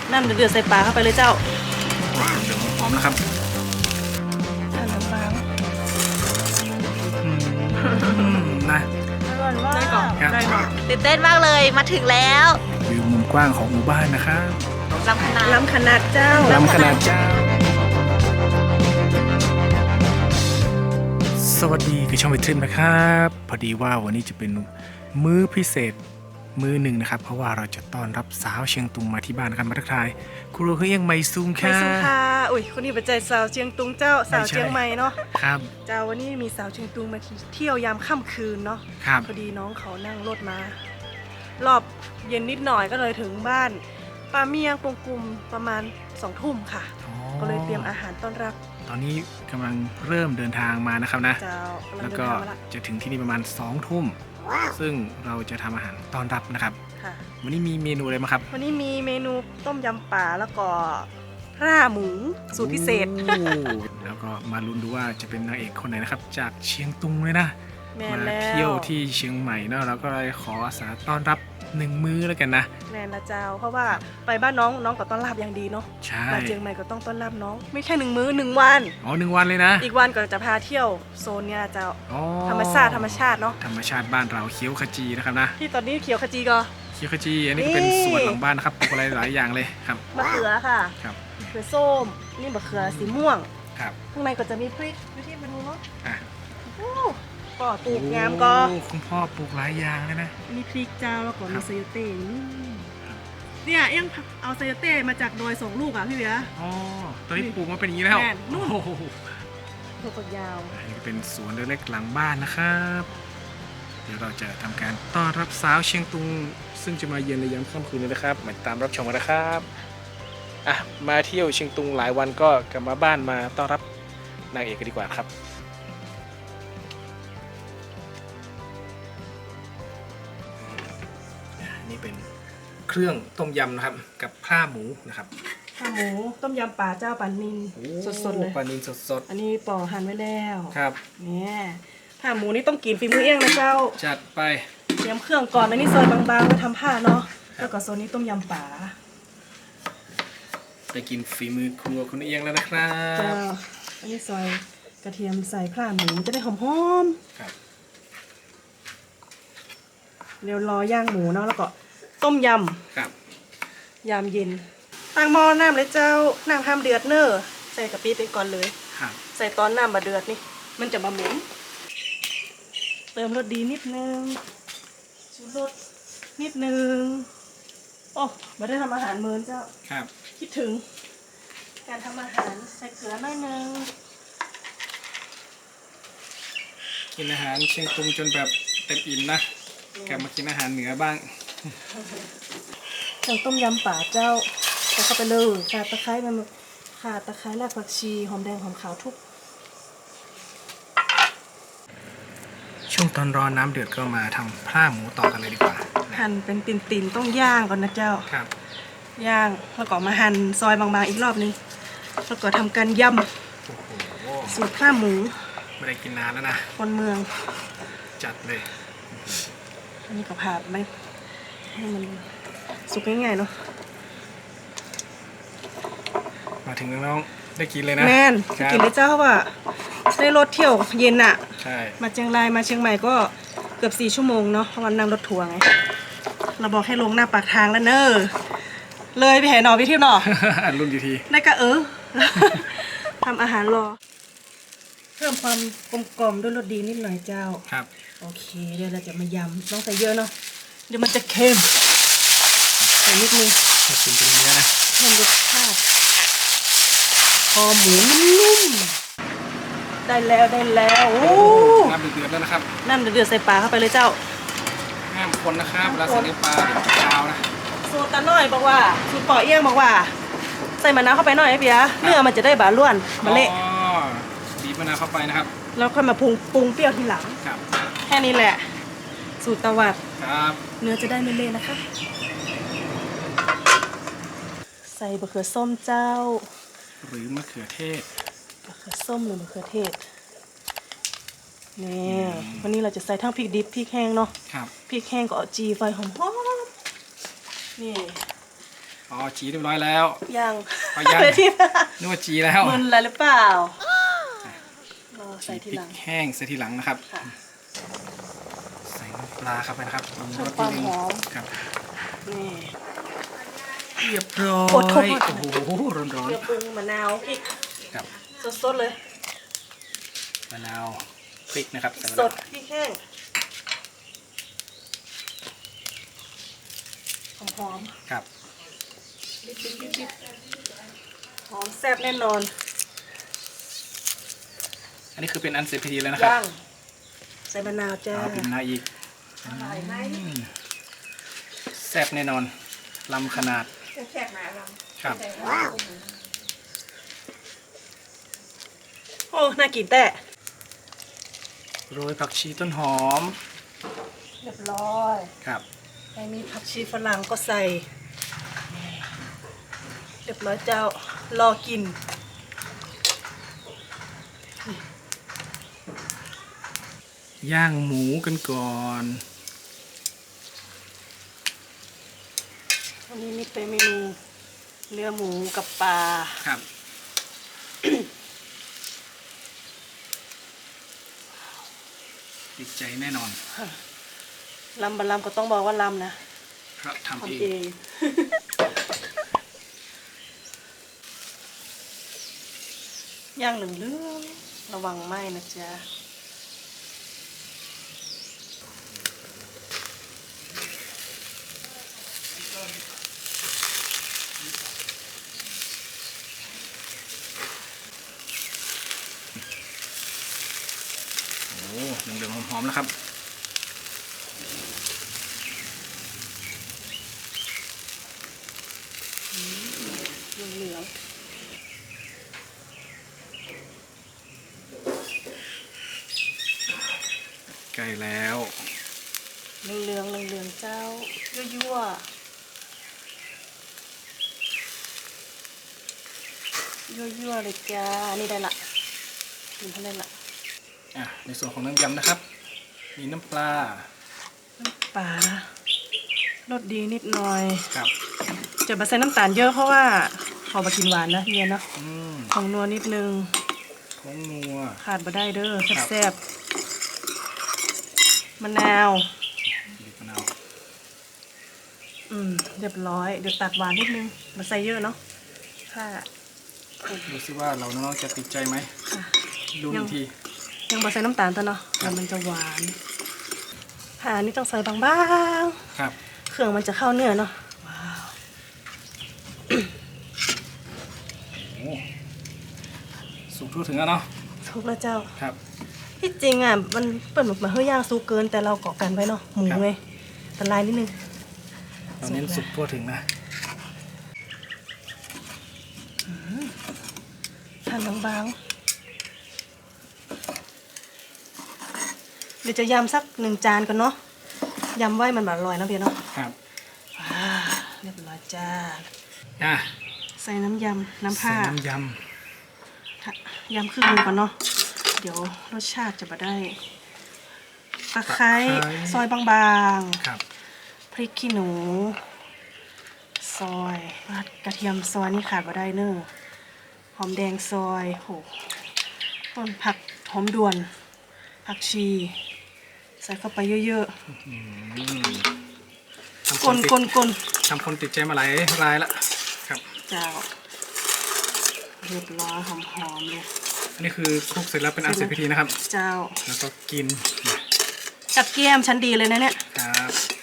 น้ำเดือดใส่ปลาเข้าไปเลยเจ้าเดี๋ยวหอมนะครับน้ำปลานะอร่อยมากได้ก่อนครับได้ก่อนตื่นเต้นมากเลยมาถึงแล้ววิวมุมกว้างของหมู่บ้านนะครับลำขนาดล้ำขนาดเจ้าล้ำขนาดเจ้าสวัสดีคือช่องวิทริมนะครับพอดีว่าวันนี้จะเป็นมื้อพิเศษมื้อหนึ่งนะครับเพราะว่าเราจะต้อนรับสาวเชียงตุงมาที่บ้านกันมาทักทายครูเฮียงไมซูงไม่ค่ะสุค่ะอุ้ยคนนี้เป็นใจสาวเชียงตุงเจ้าสาวเชียงใหม่เนาะครับเจ้าวันนี้มีสาวเชียงตุงมาเที่ยวยามค่ำคืนเนาะครับพอดีน้องเขานั่งรถมา รอบเย็นนิดหน่อยก็เลยถึงบ้านป้าเมียงปงกุมประมาณ2 ทุ่มค่ะอ๋อก็เลยเตรียมอาหารต้อนรับตอนนี้กำลังเริ่มเดินทางมานะครับนะเจ้ากำลังแล้วเดินก็ทางมาละจะถึงที่นี่ประมาณ2 ทุ่มซึ่งเราจะทำอาหารต้อนรับนะครับค่ะวันนี้มีเมนูอะไรมาครับวันนี้มีเมนูต้มยำป่าแล้วก็ร่าหมูสูตรพิเศษโอ้แล้วก็มาลุ้นดูว่าจะเป็นนางเอกคนไหนนะครับ จากเชียงตุงเลยนะแม่มาแล้วเที่ยวที่เชียงใหม่เนาะเราก็เลยขออาสาต้อนรับ1 มื้อแล้วกันนะแม่ละเจ้า เพราะว่าไปบ้านน้องน้องก็ต้อนรับอย่างดีเนาะใช่มาเชียงใหม่ก็ต้องต้อนรับน้อง ไม่แค่1 มื้อ1 วันอ๋อ1 วันเลยนะอีกวันก็จะพาเที่ยวโซนเนี่ยเจ้าอ๋อธรรมชาติเนาะธรรมชาติบ้านเราเคี้ยวขจีนะครับนะที่ตอนนี้เขียวขจีก็เคี้ยวขจีอันนี้ก็เป็นนี่สวนหลังบ้านนะครับปลูกอะไรหลายอย่างเลยครับมะเขือค่ะครับมะเขือส้ม นี่มะเขือสีม่วงครับข้างในก็จะมีพริกวิธีมาดูเนาะอ่ะโอ้ก็ตูกงามก็โอ้คุณพ่อปลูกหลายอย่างเลยนะมีพริกเจ้าแล้วก็ครัมีบไซโยเต้เนี่ยเอ็งเอาไซโยเต้มาจากดอย2 ลูกอ่ะพี่เบียร์อ๋อตอนนี้ปลูกมาเป็นอย่างนี้แล้วแม่นนู่นโอ้โหถั่วฝักยาวอันนี้ก็เป็นสวนเล็กๆหลังบ้านนะครับ เดี๋ยวเราจะทำการต้อนรับสาวเชียงตุง ซึ่งจะมาเยือนในยามค่ำคืนนี้นะครับ มาตามรับชมกันนะครับอ่ะมาเที่ยวเชียงตุงหลายวันก็กลับมาบ้านมาต้อนรับนางเอกกันดีกว่าครับนี่เป็นเครื่องต้มยำนะครับกับผ้าหมูนะครับข้าวหมูต้มยำปลาเจ้าปลานิลสดๆเลยปลานิลสดอันนี้ปอหั่นไว้แล้วๆครับเนี่ยผ้าหมูนี่ต้องกินฝีมือเองนะเจ้าจัดไปเตรียมเครื่องก่อนอันนี้ซอยบางๆไว้ทำผ้าเนาะ แล้วก็โซนนี้ต้มยำป่าไปกินฝีมือครัวคุณเอียงแล้วนะครัเจ้าบอันนี้ซอยกระเทียมใส่ผ้าหมูจะได้หอมครับๆเดี๋ยวรอย่างหมูเนาะแล้วก็ต้มยครับำยามเย็น ตั้งหม้อน้ำเลยเจ้าน้ำห้ามเดือดเนอะใส่กะปิไปก่อนเลยครับใส่ตอนน้ำมาเดือดนี่ มันจะมาเหม็นเติมรสดีนิดนึงชูรสนิดนึง โอ้มาได้ทำอาหารมื้อเจ้าครับคิดถึง การทำอาหารใส่เกลือหน่อยนึงกินอาหารเชียงตุงจนแบบเต็มอิ่มนะกลับมากินอาหารเหนือบ้างเครื่องต้มยำป่าเจ้าใส่เข้าไปเลยข่าตะไคร้มันข่าตะไคร้รากผักชีหอมแดงหอมขาวทุกช่วงตอนรอน้ำเดือดก็มาทำผ้าหมูต่อกันเลยดีกว่าหั่นเป็นติ่นๆต้องย่างก่อนนะเจ้าครับย่างแล้วก็มาหั่นซอยบางๆอีกรอบนึงแล้วก็ทำการยโอ้โหำสูตรข้าวหมูไม่ได้กินนานแล้วนะคนเมืองจัดเลยอันนี้ก็ผ่าไปให้มันสุกง่ายๆเนาะมาถึงน้องๆได้กินเลยนะแม่นครักินได้เจ้าเพราะว่าได้รถเที่ยวเย็นอะใช่มาเชียงรายมาเชียงใหม่ก็เกือบ4 ชั่วโมงเนาะเพราะวันนั่งรถทัวร์ไงเราบอกให้ลงหน้าปากทางแล้วเนอะเลยไปแห่หนอไปเที่ยวหนอรุ่นกี่ทีได้ก็ทำอาหารรอ เพิ่มความกลมๆด้วยรสดีนิดหน่อยเจ้าครับโอเคเดี๋ยวเราจะมายำต้องใส่เยอะเนาะเดี๋ยวมันจะเค็มใส่นิดนึงให้ชิมเป็นเนื้อนะเพิ่มรสชาติพอหมูนุ่มๆได้แล้วโอ้น้ำเดือดๆแล้วนะครับน้ำเดือดๆใส่ปลาเข้าไปเลยเจ้าห้ามคนนะครับเวลาใส่เนื้อปลาเดี๋ยวจะคาวนะสูตรตาน้อยบอกว่าสูตรปอเอี้ยงบอกว่า ใส่มะนาวเข้าไปหน่อยไอ้เปียเนื้อมันจะได้บาล้วนมาเละอ๋อบีบมะนาวเข้าไปนะครับแล้วค่อยมาปรุงเปรี้ยวทีหลังครับแค่นี้แหละ สูตรตะวัดครับเนื้อจะได้ไม่เละนะคะ ใส่บะเขือส้มเจ้าหรือมะเขือเทศบะเขือส้มหรือมะเขือเทศนี่วันนี้เราจะใส่ทั้งพริกดิบพริกแห้งเนาะครับพริกแห้งก็เอาจีไฟหอมๆนี่อ๋อจีเรียบร้อยแล้วยังเอายังเลยที่นึกว่าจีแล้วมึนอะไรหรือเปล่ารอใส่ทีพริหลักงแห้งใส่ทีหลังนะครับค่ะใส่น้ำปลาครับไปนะครับเพิ่มความหอมครับนี่เรียบร้ออดทนยอดทนโอ้โหร้อนเกลือปรุงมะนาวพริกๆครับสดๆเลยมะนาวพริกนะครับใส่สแล้วดพริกแห้งหอมครับๆดิบๆหอมแซ่บแน่นอนอันนี้คือเป็นอันเสร็จพิธีแล้วนะครับย่างใส่มะนาวจ้าเอาเป็นมะนาวอีกอร่อยไหมแซ่บแน่นอนลำขนาดแซ่บไหมลครับำโอ้น่ากินแต่โรยผักชีต้นหอมเรียบร้อยครับใครมีผักชีฝรั่งก็ใส่ เรียบร้อยเจ้ารอกินย่างหมูกันก่อนวันนี้นี่เป็นเมนูเนื้อหมูกับปลาครับติดใจแน่นอนลำบะลำก็ต้องบอกว่าลำนะเพราะทำทำเอเอง ง ย่างเหลืองๆระวังไหม้นะจ๊ะโอ้เหลืองๆหอมๆแล้วครับเหลืองใกล้แล้วๆเหลืองๆเหลืองๆเจ้ายั่วๆยั่วๆเลยจ้า นี่ได้ละกินเท่านั้นละอ่ะในส่วนของน้ำยำนะครับ มีน้ำปลาน้ำปลารสดีนิดหน่อยครับจะมาใส่น้ำตาลเยอะเพราะว่าขอมากินหวานนะเฮียเนาะ ของนัวนิดนึงผงนัวขาดมาได้เด้อครับแซ่บๆมะนาวบีบมะนาวเรียบร้อย เดี๋ยวตัดหวานนิดนึงมาใส่เยอะเนาะค่ะดูซิว่าเราน้องๆจะติดใจไหมค่ะดูอีกทียังบอใส่น้ำตาลตัวเนาะเดี๋ยวมันจะหวานค่ะอันนี่ต้องใส่บางครับๆ เครื่องมันจะเข้าเนื้อเนาะ ว้าวโอ้สุกทั่วถึงแล้วเนาะทุกแล้วเจ้าครับที่จริงอ่ะมันเปิดมาเฮือย่างซุกเกินแต่เราเกาะกันไว้เนาะหมูครับไงแต่ลายนิดนึงเราเน้นสุกทั่วถึงนะหั่นบางๆเดี๋ยวจะยำสัก1 จานก่อนเนาะยำไว้มันแบบอร่อยนะเพียเนาะครับว้าเรียบร้อยจ้าอ่ะใส่น้ำยำน้ำใส่ผ้าน้ำยยำครึ่งหนึงก่อนเนาะเดี๋ยวรสชาติจะมาได้ตะไคร้ซอยบางำครับๆพริกขี้หนู ซอยกระเทียมซอยนี่ขาดมาได้เนอะหอมแดงซอยโหต้นผักหอมด่วน ผักชี ใส่เข้าไปเยอะทำๆคกนลติดกลกลทำคนติดใจมาหลายรายละครับเจ้าเรียบร้อยหอมๆเลยอันนี้คือคลุกเสร็จแล้วเป็นอันเสร็จพิธีนะครับเจ้าแล้วก็กินกับเกี๊ยมชั้นดีเลยนะเนี่ยครับ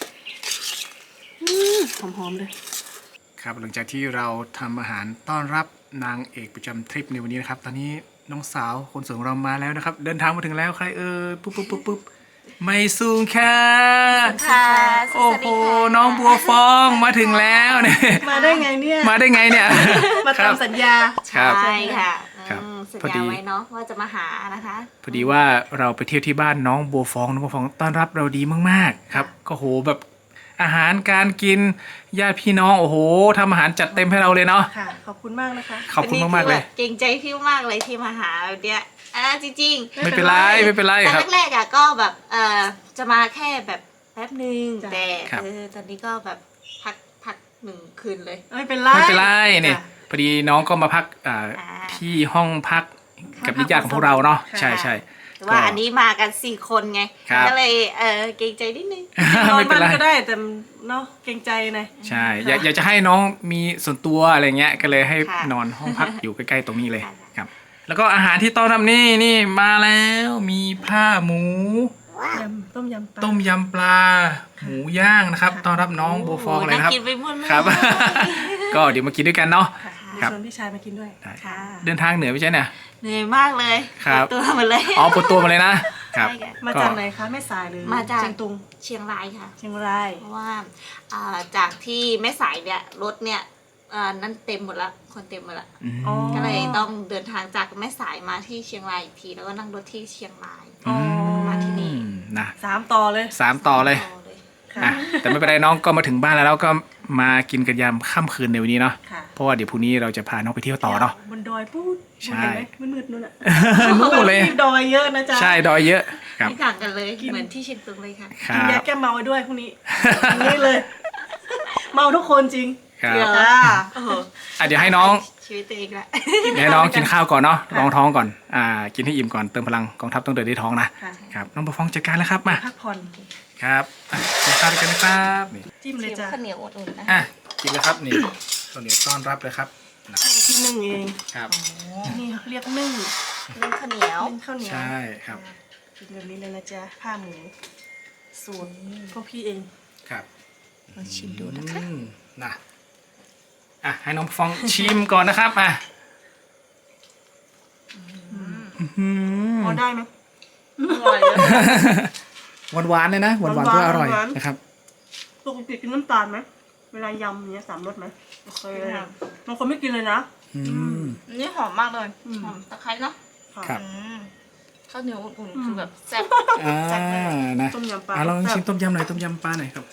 หอมๆเลยครับหลังจากที่เราทำอาหารต้อนรับนางเอกประจำทริปในวันนี้นะครับ ตอนนี้น้องสาวคนสวยของเรามาแล้วนะครับ เดินทางมาถึงแล้วใครปุ๊บไม่สูงค่ะค่ะโอ้โหน้องบัวฟองมาถึงแล้วเนี่ยมาได้ไงเนี่ยมาได้ไงเนี่ยมาครับทำสัญญาครับใช่ค่ะครับสัญพอดีญาไว้เนาะว่าจะมาหานะคะพอดีว่าเราไปเที่ยวที่บ้านน้องบัวฟองน้องบัวฟองต้อนรับเราดีมากๆครับก็โหแบบอาหารการกินญาติพี่น้องโอ้โหทำอาหารจัดเต็มให้เราเลยเนาะค่ะ ขอบคุณมากนะคะขอบคุณมากๆเลยเกรงใจพี่มากเลยที่มาหาแบบเนี้ยจริงๆไม่เป็นไรไม่เป็นไรแต่ครับแรกๆอะก็แบบจะมาแค่แบบแป๊บนึงจ้ะแต่ครับตอนนี้ก็แบบพัก 1 คืนเลยไม่เป็นไรไม่เป็นไรเนี่ยจ้ะพอดีน้องก็มาพักที่ห้องพักกับญาติๆของพวกเราเนาะค่ะใช่ใช่แต่ว่าอันนี้มากัน4 คนไงครับก็เลยเกรงใจนิดนึงนอนไม่เป็นบ้านไรก็ได้แต่เนาะเกรงใจนะใช่อยากจะให้น้องมีส่วนตัวอะไรเงี้ยก็เลยให้ค่ะนอนห้องพักอยู่ใกล้ๆตรงนี้เลยค่ะครับ แล้วก็อาหารที่ต้อนรับนี่มาแล้วมีผ้าหมูยำต้มยำปลาต้มยำปลา หมูย่างนะครับค่ะต้อนรับน้องโบฟองเลยนะครับน่ากินไปหมดเลยครับ ก็เดี๋ยวมากินด้วยกันเนาะค่ะครับชวนพี่ชายมากินด้วยได้ค่ะเดินทางเหนือไม่ใช่เนี่ยเหนื่อยมากเลยครับปวดตัวหมดเลยอ๋อปวดตัวมาเลยนะครับใช่ค่ะมาจากไหนคะแม่สายหรือมาจากเชียงตุงเชียงรายค่ะเชียงรายเพราะว่าจากที่แม่สายเนี่ยรถเนี่ยนั่นเต็มหมดละคนเต็มหมดละอ๋อก็เลยต้องเดินทางจากแม่สายมาที่เชียงรายอีกทีแล้วก็นั่งรถที่เชียงรายอ๋อมาที่นี่นะ 3 ต่อเลย 3 ต่อเลยต่อเลยค่ะอ่ะแต่ไม่เป็นไรน้องก็มาถึงบ้านแล้วก็มากินกันยามค่ำคืนในวันนี้เนาะค่ะเพราะว่าเดี๋ยวพรุ่งนี้เราจะพาน้องไปเที่ยวต่อเนาะบนดอยพูดใช่เห็นไหมมืดๆนู่นน่ะนู่นเลยดอยเยอะนะจ๊ะใช่ดอยเยอะครับไม่ต่างกันเลยเหมือนที่เชียงตุงเลยค่ะคกินรัยาบแก้เมาไว้ด้วยพรุ่งนี้อย่างนี้เลย เมาทุกคนจริงครับเดี๋ยวจ้าโอ้โหอ่ะเดี๋ยวให้น้องชีวิตตัวเองละเดี๋ยวให้น้องกินข้าวก่อนเนาะค่ะรองท้องก่อนกินให้อิ่มก่อนเติมพลังกองทัพต้องเดินด้วยท้องนะค่ะครับน้องประฟองจัดการแล้วครับมาพักผ่อนครับอ่ะกินข้าวด้วยกันนะครับนี่จิ้มเลยจ้ะข้าวเหนียวอุ่นๆนะอ่ะกินเลยครับนี่ข้าวเหนียวต้อนรับเลยครับนะที่นึ่งเองครับนี่เรียกนึ่งนึ่งข้าวเหนียวนึ่งข้าวเหนียวใช่ครับกินแบบนี้เลยนะจ๊ะผ้าหมูสูตรพวกพี่เองครับลองชิมดูนะคะนะอ่ะให้น้องประฟองชิมก่อนนะครับอ่ะพอได้ไหมอร่อยเลยหวานๆเลยนะหวานๆก็อร่อยหวานๆนะครับปกติกินน้ำตาลไหมเวลายำอย่างเงี้ย3 รสไหมโอเคบางคนไม่กินเลยนะอืมอันนี่หอมมากเลยอืมหอมตะไคร้เนาะครับข้าวเหนียวอุ่นๆคือแบบแซ่บอ่านะต้มยำปลาลองชิมต้มยำหน่อยต้มยำปลาหน่อยครับ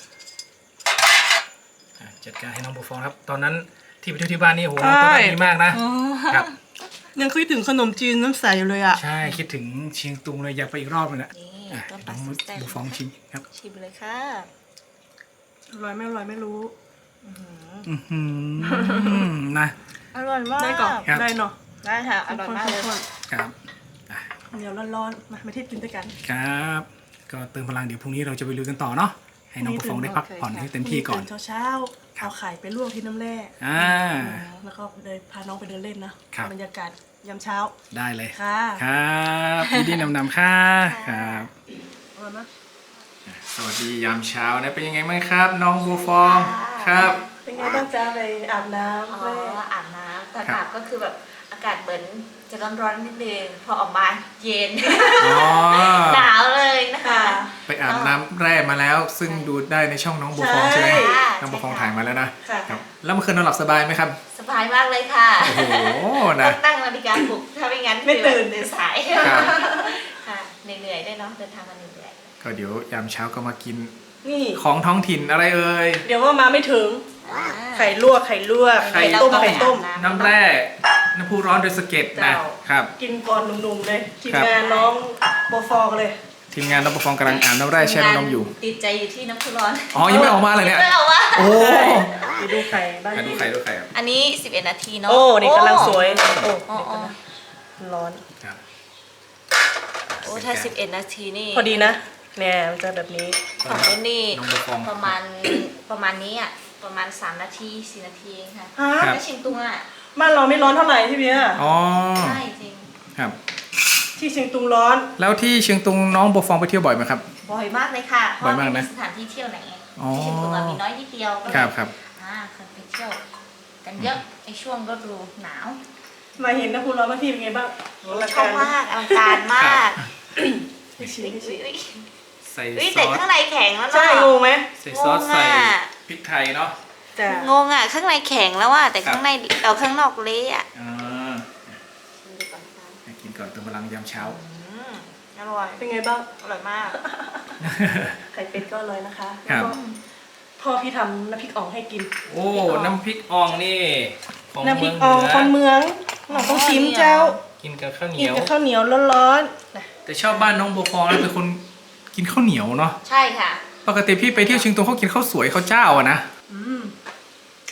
จัดการให้น้องบัวฟองครับ ตอนนั้นที่ไปเที่ยวที่บ้านนี่โหน้องต้อนรับดีมากนะครับยังคิดถึงขนมจีนน้ำใสอยู่เลยอ่ะใช่คิดถึงเชียงตุงเลยอยากไปอีกรอบเลยนะนี่อ่ะต้มปน้ลาองสุดแซ่บบัวฟองชิมครับชิมเลยค่ะอร่อยไม่อร่อยไม่รู้อื้อหือนะอร่อยมากได้ก่อนครับได้เนาะได้ค่ะอร่อยมากเลยข้นครับๆเดี๋ยวร้อนๆมาเที่ยวกินด้วยกันครับ ก็เติมพลังเดี๋ยวพรุ่งนี้เราจะไปลุยกันต่อเนาะให้น้องบัวฟองได้พักผ่อนให้เต็มที่ก่อนตื่เช้าๆเอาไข่ไปลวกที่น้ำแร่อ่าแล้วก็เลยพาน้องไปเดินเล่นนะครับ บรรยากาศยามเช้าได้เลยค่ะครับยินดีนำค่ะครับอร่อยไหมสวัสดียามเช้านะเป็นยังไงบ้างครับ น้องบัวฟองครับเป็นไงบ้างจ๊ะไปอาบน้อ๋อำแร่อาบน้ำแต่ครับอาบก็คือแบบอากาศเหมือนจะร้อนๆนิดนึงพอออกมาเย็นอ๋อหนาวเลยนะคะไปอาบน้ำแร่มาแล้ว ซึ่งดูได้ในช่องน้องบัวฟองใช่ไหมใช่น้องบัวฟองถ่ายมาแล้วนะค่ะครับแล้วเมื่อคืนนอนหลับสบายไหมครับสบายมากเลยค่ะโอ้โหต้นะองตั้งนาฬิกาปลุกถ้าไม่งั้นไม่ตื่นตื่นสายครับค่ะเหนื่อยๆได้เนาะเดินทางมาเหนื่อยก็เดี๋ยวยามเช้าก็มากินนี่ของท้องถิ่นอะไรเอ่ยเดี๋ยวว่ามาไม่ถึงๆไข่ลวก ไข่ลวกไข่ไข่ต้ม ไข่ต้มน้ำแร่น้ำพุร้อนโดยสะเก็ดนะเจ้าครับกินก่อนหนุ่มๆเลยทีมครับงานน้องโบฟองเลยทีมงานน้องบัวฟองกำลังอาบน้ำแร่แช่น้ำนมอยู่ติดใจอยู่ที่น้ำพุร้อนอ๋อยังไม่ออกมาเลยเนี่ยไม่เอาวะโอ้ไปดูไข่บ้างดูไข่ดูไข่ครับอันนี้ 11 นาทีเนาะโอ้เด็กกำลังสวย โอ้โอ้เด็กโอ้กำลังร้อนครับโอ้ถ้า 11 นาทีนี่พอดีนะเนี่ยมันจะแบบนี้ของเล่นนี่น้องบัวฟองประมาณประมาณนี้อ่ะประมาณ3 นาที 4 นาทีเองค่ะฮะครับไม่ชิงตุงอ่ะบ้านเราไม่ร้อนเท่าไหร่ที่เบียร์อ๋อใช่จริงครับที่เชียงตุงร้อนแล้วที่เชียงตุงน้องบัวฟองไปเที่ยวบ่อยไหมครับบ่อยมากเลยค่ะเพบ่อยราะมากไม่นะมีสถานที่เที่ยวไหนไงอ๋อที่เชียงตุงอะมีน้อยนิดเดียวก็เลยครับครับเคยไปเที่ยวกันเยอะในช่วงฤดูหนาวมาเห็นนะคุณร้อนมาที่เป็นไงบ้างอลังชอบมากอลังการมากไม่ชิมไม่ชิมอุ๊ยใส่อุ๊ยซแต่อสข้างในแข็งแล้วเนาะใช่งงไหมใส่ซอสงงอะใส่พริกไทยเนาะจ้ะงงอ่ะข้างในแข็งแล้วอ่ะแต่ครับข้างในเอาข้างนอกเละอ่ะอ่าให้กินก่อนเติมพลังยามเช้าอร่อยเป็นไงบ้างอร่อยมากไข่เป็ดก็อร่อยนะคะครัแล้วบก็พ่อพี่ทำน้ำพริกอ่องให้กินโอ้น้ำพริกอ่องนี่ของน้ำพเมืริอก งอ่องเหนืคนเมืองเราต้องชิมเจ้ากินกับข้าวเหนีกินยวกับข้าวเหนียวร้อนๆนะแต่ชอบบ้านน้องบัวฟองนะเป็นคนกินข้าวเหนียวเนาะใช่ค่ะปกติพี่ไปเที่ยวเชียงตุงเขากินข้าวสวยข้าวเจ้าอะนะอืม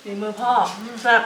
ฝีมือพ่อแซ่บ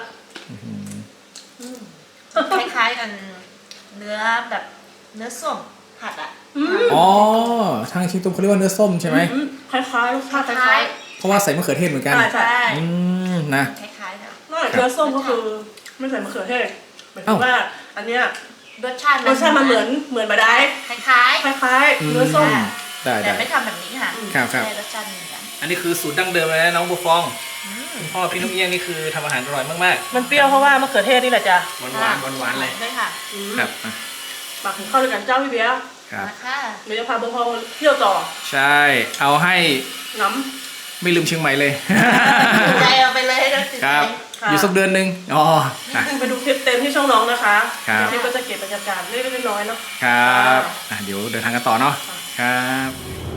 คล้ายๆกันเนื้อแบบเนื้อส้มผัดอ่ะอ๋อทางเชียงตุงเขาเรียกว่าเนื้อส้มใช่ไหมคล้ายๆรสชาติคคล้าล้าย ยเพราะว่าใส่มะเขือเทศเหมือนกันใช่ๆใช่นะคล้ายๆกันๆนอกจากเนื้อส้มก็คือไม่ใส่มะเขือเทศหมายถึงว่าอันเนี้ยรสชาติรสชาติมันเหมือนมาได้คล้ายคล้ายๆเนื้อส้มได้ๆแต่ได้ไม่ทำแบบนี้ค่ะครับครับใช่รสชาติเหมือนกันอันนี้คือสูตรดั้งเดิมเลยนะน้องบัวฟองคุณพ่อพี่นกเอี้ยงนี่คือทำอาหารอร่อยมากมันเปรี้ยวเพราะว่ามะเขือเทศนี่แหละจ้ะๆหวานๆเลยด้วยค่ะครับอ่ะปักถึงเข้าด้วยกันเจ้าพี่เบียร์ครับนะคะเดี๋ยวจะพาบัวพองเที่ยวต่อใช่เอาให้น้ไม่ลืมเชียงใหม่เลยติดใจเอาไปเลยนะติดคใจรับ อยู่สักเดือนหนึ่งอ๋ออ่ะำไปดูคลิปเต็มที่ช่องน้องนะคะครับคลิปก็จะเก็บบรรยากาศเล็กๆน้อยๆเนาะครับอ่ะเดี๋ยวเดินทางกันต่อเนาะครับ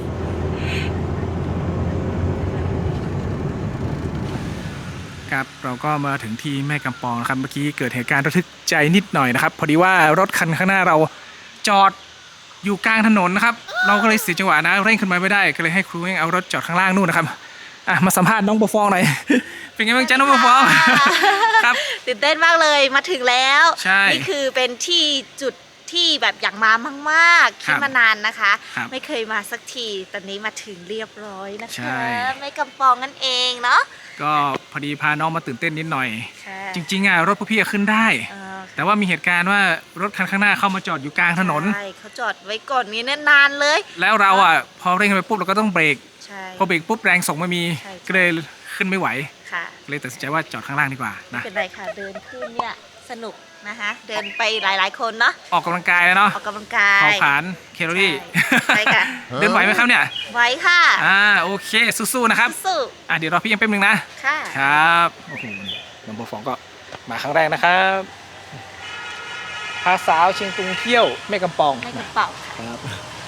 ครับเราก็มาถึงที่แม่กำปองนะครับเมื่อกี้เกิดเหตุการณ์ระทึกใจนิดหน่อยนะครับ พอดีว่ารถคันข้างหน้าเราจอดอยู่กลางถนนนะครับ เราก็เลยเสียจังหวะนะเร่งขึ้นมาไม่ได้ก็เลยให้ครูเองเอารถจอดข้างล่างนู่นนะครับอ่ะมาสัมภาษณ์น้องบัวฟองหน่อย เป็นไงบ้างจ๊ะน้องบัวฟอง ครับตื่นเต้นมากเลยมาถึงแล้วใช่นี่คือเป็นที่จุดที่แบบอยากมามากๆครัคิดบมานานนะคะครับไม่เคยมาสักทีตอนนี้มาถึงเรียบร้อยนะใช่คะไม่กำปองนั่นเองเนาะก็พอดีพาน้องมาตื่นเต้นนิดหน่อยค่ะจริงๆอ่ะรถพวกพี่อะขึ้นได้เออแต่ว่ามีเหตุการณ์ว่ารถคันข้างหน้าเข้ามาจอดอยู่กลางถนนใช่เขาจอดไว้ก่อนนี้นานเลยแล้วเราอ่ะพอเร่งไปปุ๊บเราก็ต้องเบรกใช่พอเบรกปุ๊บแรงส่งไม่มีใช่ก็เลยขึ้นไม่ไหวค่ะเลยตัดสินใจว่าจอดข้างล่างดีกว่านะไม่เป็นไรค่ะเดินขึ้นเนี่ยสนุกนะคะเดินไปหลายๆคนเนาะออกกำลังกายแล้วเนาะออกกำลังกายเผาผลาญแคลอรี่ใช่ค่ะเดินไหวไหมครับเนี่ยไว้ค่ะโอเคสู้ๆนะครับสู้เดี๋ยวรอพี่ยังแป๊บนึงนะค่ะครับโอ้โหน้องบัวฟองก็มาครั้งแรกนะครับพาสาวเชียงตุงเที่ยวแม่กำปองให้กระเป๋าค่ะครับ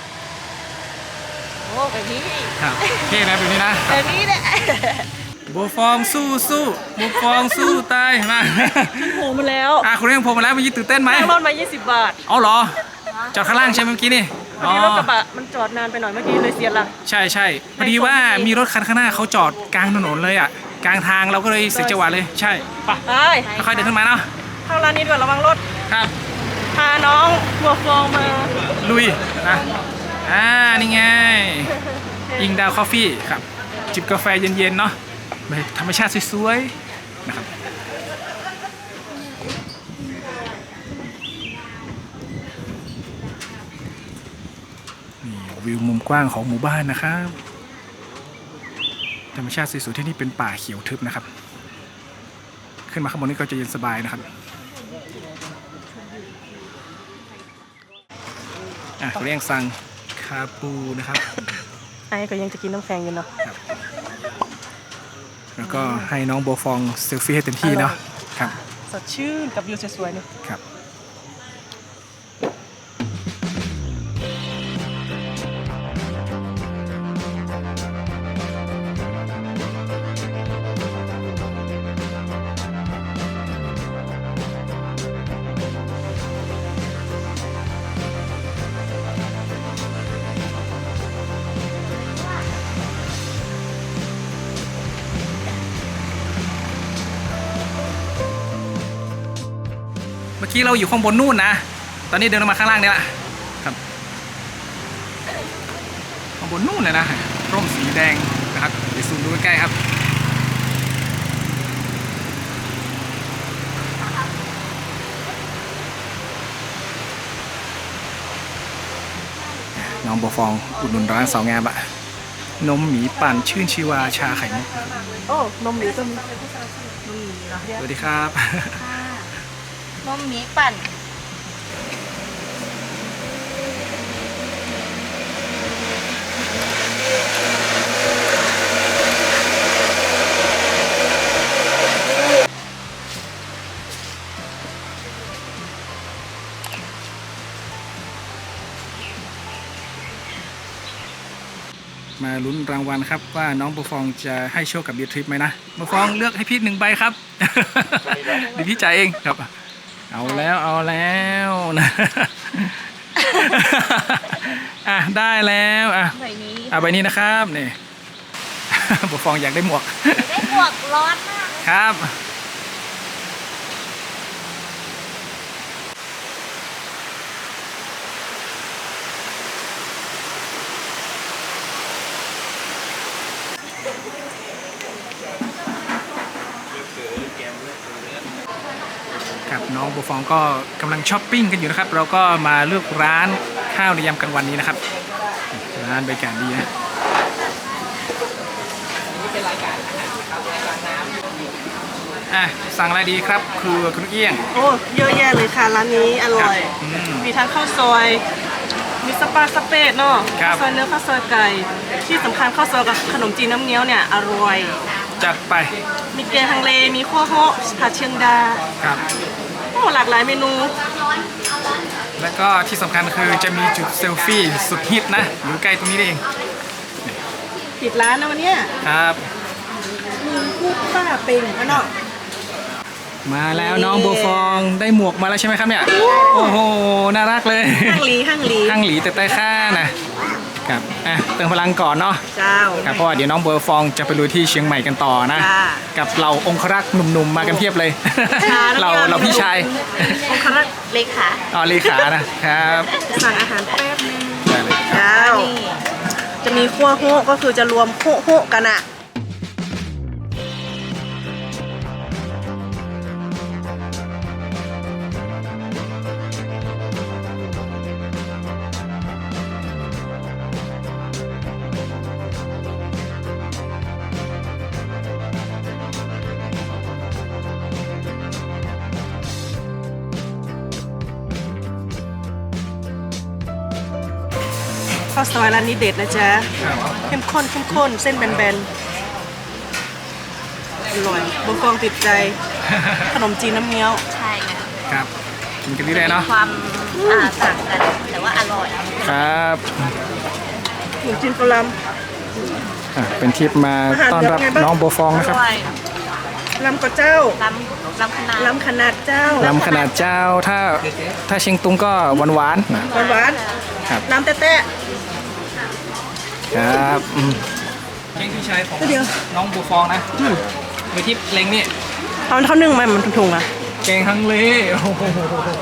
โอ้แบบนี้ครับเท่นะแบบนี้นะแบบนี้เนี่ยบัวฟองสู้บัวฟองสู้ตายมาโผล่มาแล้วคุณเร่งผมมาแล้วเมื่อกี้ตื่นเต้นไหมนั่งรถมา20 บาทเอาเหรอจอดข้างล่างใช่ไหมเมื่อกี้นี่พอดีรถกระบะมันจอดนานไปหน่อยเมื่อกี้เลยเสียหลักใช่พอดีว่ามีรถคันข้างหน้าเขาจอดกลางถนนเลยอ่ะกลางทางเราก็เลยเสียจังหวะเลยใช่ไปไปค่อยๆเดินขึ้นมาเนาะเข้าร้านนี้ด้วยระวังรถครับพาน้องบัวฟองมาลุยนะนี่ไงอิงดาวคอฟฟี่ครับจิบกาแฟเย็นๆเนาะธรรมชาติสวยๆนะครับนี่วิวมุมกว้างของหมู่บ้านนะครับธรรมชาติสวยๆที่นี่เป็นป่าเขียวทึบนะครับ ขึ้นมาข้างบนนี้ก็จะเย็นสบายนะครับเขาเรียกสั่งคาปูนะครับไอ้ก็ยังจะกินน้ำแข็งอยู่เนาะแล้วก็ให้น้องโบวฟองเซลฟี่ให้เต็มที่เนาะครับสดชื่นกับวิวสวยๆนี่ครับเมื่อกี้เราอยู่ข้างบนนู่นนะ ตอนนี้เดินลงมาข้างล่างเนี่ยละครับข้างบนนู่นเลยนะร่มสีแดงนะครับเดี๋ยวซูมดูใกล้ๆครับน้องบัวฟองอุดหนุนร้านสาวงามอะนมหมีปั่นชื่นชีวาชาไข่มุกโอ้นมหมีก็มีสวัสดีครับนมหมีปั่นมาลุ้นรางวัลครับว่าน้องบัวฟองจะให้โชคกับเบียร์ทริปไหมนะบัวฟองเลือกให้พี่1 ใบครับ เดี๋ยวพี่จ่ายเองครับ เอาแล้วนะ ได้แล้วใบนี้ใบนี้นะครับนี่ บัวฟองอยากได้หมวกได้หมวกร้อนมากเลครับครับน้องโบฟองก็กำลังช้อปปิ้งกันอยู่นะครับ เราก็มาเลือกร้านข้าวในยามกลางวันนี้นะครับร้านบรรยากาศดีนะสั่งอะไรดีครับคือคุณเอี้ยงโอ้เยอะแยะเลยค่ะร้านนี้อร่อย มีทั้งข้าวซอย มีสปาสเปดเนาะครับข้าวซอยเนื้อข้าวซอยไก่ ที่สำคัญข้าวซอยกับขนมจีนน้ำเงี้ยวเนี่ยอร่อยจัดไปมีแกงฮังเล มีข้าวเหาะผัดเชียงดาครับโอ้หลากหลายเมนูแล้วก็ที่สำคัญคือจะมีจุดเซลฟี่สุดฮิตนะอยู่ใกล้ตรงนี้เองปิดร้านนะวันเนี้ยครับมีคู่ป้าเป็งอะเนาะมาแล้วน้องโบฟองได้หมวกมาแล้วใช่ไหมครับเนี่ยโอ้โหน่ารักเลยห้างหลีห้างหลีข้างหลีแต่ใต้ข้านะครับเติมพลังก่อนเนาะเจ้าครับเพราะว่าเดี๋ยวน้องโบฟองจะไปลุยที่เชียงใหม่กันต่อนะจ้ากับเหล่าองครักษ์หนุ่มๆมากันเพียบเลยค่ะเราพี่ชายองครักษ์เลขาอ๋อเลขานะครับสั่งอาหารแป๊บนึงได้เลยเจ้า จะมีขั้วโฮะก็คือจะรวมโฮะโฮะกันอะ ข้าวซอยร้านนี้เด็ดนะจ๊ะครับเข้มข้นเข้มข้นเส้นแบนๆ อร่อยบนฟองติดใจ ขนมจีนน้ำเงี้ยวใช่ค่ะครับกินกันเรื่อยๆเนาะความต่างกันแต่ว่าอร่อยครับขนมจีนกะหล่เป็นทริปมาต้อนรับน้องโบฟองนะครับด้วยำลำกระเจ้าลำขนาดลำขนาดเจ้าลำขนาดเจ้าถ้าเชียงตุงก็หวานๆนะหวานครับๆลำแต๊ะครับเก่งพี่ชายของเดี๋ยวน้องโบฟองนะไปทริปเล็งนี่ๆเอาเท่านึ่งไหมมันถุงๆอะเก่งฮังเลโอ้โห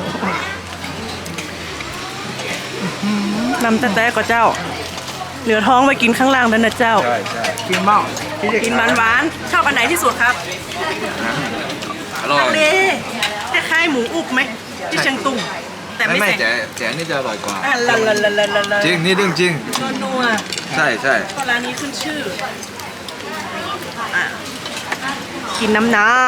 ลำแต๊ะๆก็เจ้า เหลือท้องไปกินข้างล่างแล้วนะเจ้ากินเมากินหวานๆชอบอันไหนที่สุดครับอร่อยทะเลคล้ายๆหมูอุบไหมที่เชียงตุงแต่ไม่ไม่ใส่แต่อันนี่จะอร่อยกว่าอ่ะละจริงนี่เรื่องจริงนัวใช่ใช่ก็ร้านนี้ขึ้นชื่ออ่ะกินน้ำ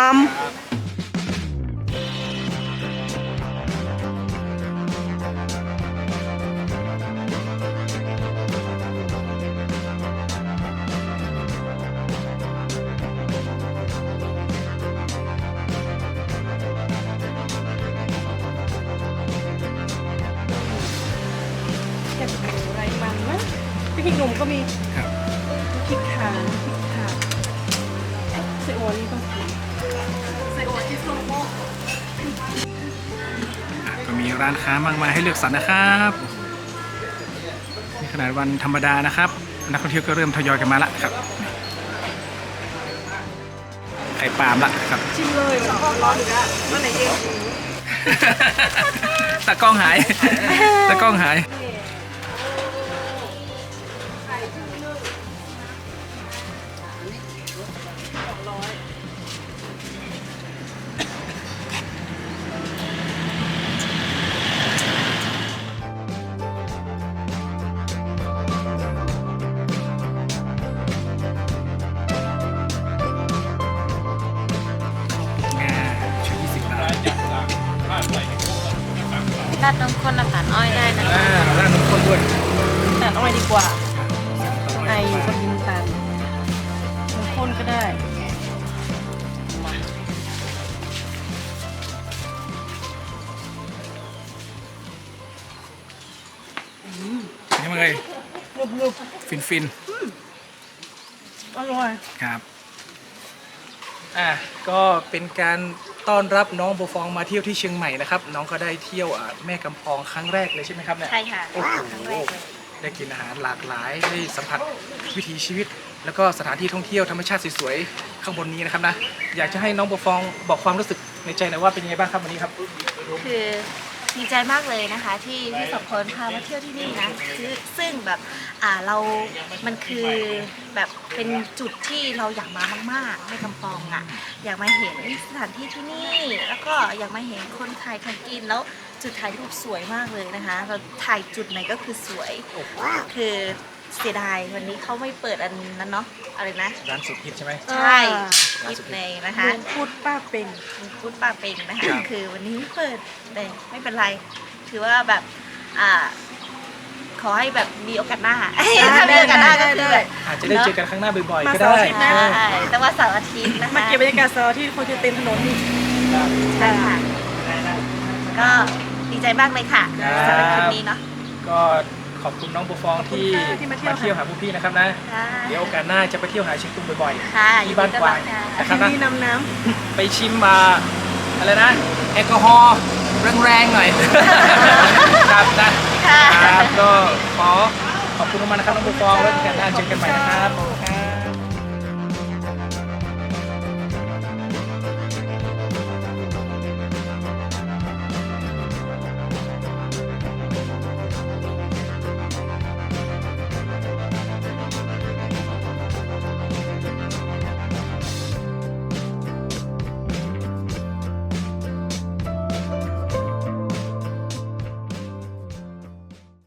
เห็ดหมูไรมันนะพริกหนุ่มก็มีครับพริกขาพริกขาเซโอนี่ต้องกินเซโอที่ส้มโมกก็มีร้านค้ามากมายให้เลือกสรรนะครับในขนาดวันธรรมดานะครับ นักท่องเที่ยวก็เริ่มทยอยกันมาละครับไข่ปาล์มละครับชิมเลยมันก็ร้อนอยู่แล้วมันไหนเองตะกล้องหายตะกล้องหายชุด20 บาทราดน้ำข้นน้ำตาลอ้อยได้นะร้านนมข้นด้วยแต่อ้อยดีกว่าไออยู่กับยินตันมันข้นก็ได้นี่มันเลยนุบฟินๆอร่อยๆครับก็เป็นการต้อนรับน้องโบฟองมาเที่ยวที่เชียงใหม่นะครับ น้องก็ได้เที่ยวแม่กำปองครั้งแรกเลยใช่ไหมครับเนี่ยใช่ค่ะโอ้โหครั้งแรกเลยได้กินอาหารหลากหลายได้สัมผัสวิถีชีวิตแล้วก็สถานที่ท่องเที่ยวธรรมชาติสวยๆข้างบนนี้นะครับนะอยากจะให้น้องบัวฟองบอกความรู้สึกในใจหน่อยว่าเป็นยังไงบ้างครับวันนี้ครับคือดีใจมากเลยนะคะที่พี่สองคนพามาเที่ยวที่นี่นะซึ่งแบบเรา มันคือแบบเป็นจุดที่เราอยากมามากๆในกำปองอ่ะอยากมาเห็นสถานที่ที่นี่ แล้วก็อยากมาเห็นคนขายของกินแล้วจุดถ่ายรูปสวยมากเลยนะคะเราถ่ายจุดไหนก็คือสวยคือเสียดายวันนี้เขาไม่เปิดอันนั้นเนาะอะไรนะร้านสุดฮิตใช่ไหมใช่คิดเลยนะคะลุงพูดป้าเป็นพูดป้าเป็งนะครัคะบคือวันนี้ไม่เปิดแต่ไม่เป็นไรถือว่าแบบขอให้แบบมีโอกาสหน้าถ้ามีโอกาสหน้าก็คือแบบอาจจะได้เจอกันครั้งหน้าบ่อยๆมาก็เสาร์ได้อาทิตย์หน้าใช่แต่ว่าเสาร์อาทิตย์นะคะมาเก็บบรรยากาศเสาร์ที่คนจะเต็มถนนนี่ใช่ค่ะก็ดีใจมากเลยค่ะครับสำหรับคลิปนี้เนาะก็ขอบคุณน้องบัวฟองที่ขอบคุณค่ะที่มาเที่ยวมาเที่ยวหาพวกพี่นะครับนะค่ะเดี๋ยวโอกาสหน้าจะไปเที่ยวหาเชียงตุงบ่อยค่ะๆที่บ้านกวางยินดีต้อนรับนะคค่ะรับนะที่นำน้ไปชิมมาอะไรนะแอลกอฮอล์แรงๆหน่อย ครับนะค่ะครับก็ขอขอบคุณมากๆนะครับน้องบัวฟองแล้วโอกาสหน้าเจอกันใหม่นะครับ